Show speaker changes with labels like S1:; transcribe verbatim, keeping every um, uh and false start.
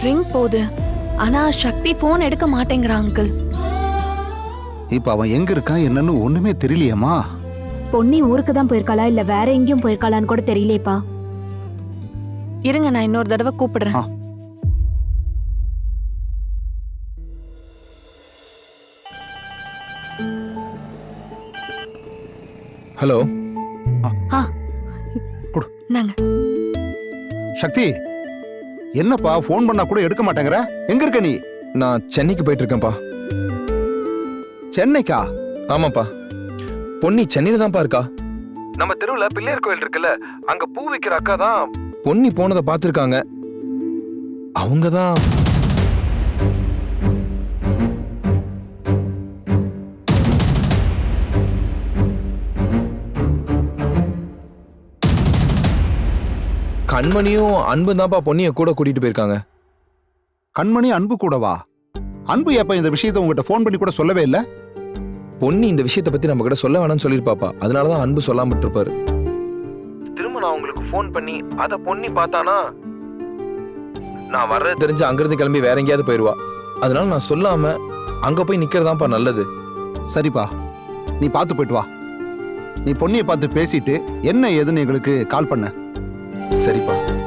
S1: Ring போகுது. ஆனா சக்தி phone எடுக்க மாட்டேங்கிறா அங்கிள்.
S2: இப்ப அவன் எங்க இருக்கான் என்னன்னு ஒண்ணுமே தெரியலையேம்மா.
S3: பொன்னி ஊருக்கு தான் போயிருக்காளா இல்ல வேற எங்கேயும் போயிருக்காளான்னு கூட தெரியலேப்பா.
S1: இருங்க, நான் இன்னொரு தடவை கூப்பிடுறேன்.
S2: ஆ.
S4: ஹலோ.
S1: ஆ
S2: குடு.
S1: நாங்க
S2: சக்தி, என்னப்பா போன் பண்ணா கூட எடுக்க மாட்டேங்கிற? எங்க இருக்க நீ?
S4: நான் சென்னைக்கு போயிட்டு இருக்கேன்ப்பா.
S2: சென்னைக்கா?
S4: ஆமாப்பா, பொன்னி சென்னையில தான்ப்பா இருக்கா. நம்ம தெருவுல பிள்ளையார் கோயில் இருக்குல்ல, அங்க பூ விக்கிற அக்கா தான் பொன்னி போனதை பார்த்திருக்காங்க. அவங்க தான் கண்மணியும் அன்பு தான்ப்பா பொன்னிய கூட கூட்டிட்டு போயிருக்காங்க.
S2: கண்மணி அன்பு கூடவா? அன்பு எப்ப இந்த விஷயத்தை உங்ககிட்ட போன் பண்ணி கூட சொல்லவே இல்ல?
S4: பொன்னி இந்த விஷயத்தை பத்தி நம்ம கிட்ட சொல்ல வேணாம்னு சொல்லிருப்பாப்பா. அதனாலதான் அன்பு சொல்லாம இருப்பாரு. திரும்ப நான் உங்களுக்கு போன் பண்ணி அத பொன்னி பார்த்தானா நான் வர்றது தெரிஞ்சு அங்கிருந்து கிளம்பி வேற எங்கேயாவது போயிருவா. அதனால நான் சொல்லாம அங்க போய் நிக்கிறதாப்பா நல்லது.
S2: சரிப்பா, நீ பார்த்து போயிட்டு வா. நீ பொன்னியை பார்த்து பேசிட்டு என்ன ஏதுன்னு எங்களுக்கு கால் பண்ண.
S4: சரிப்பா.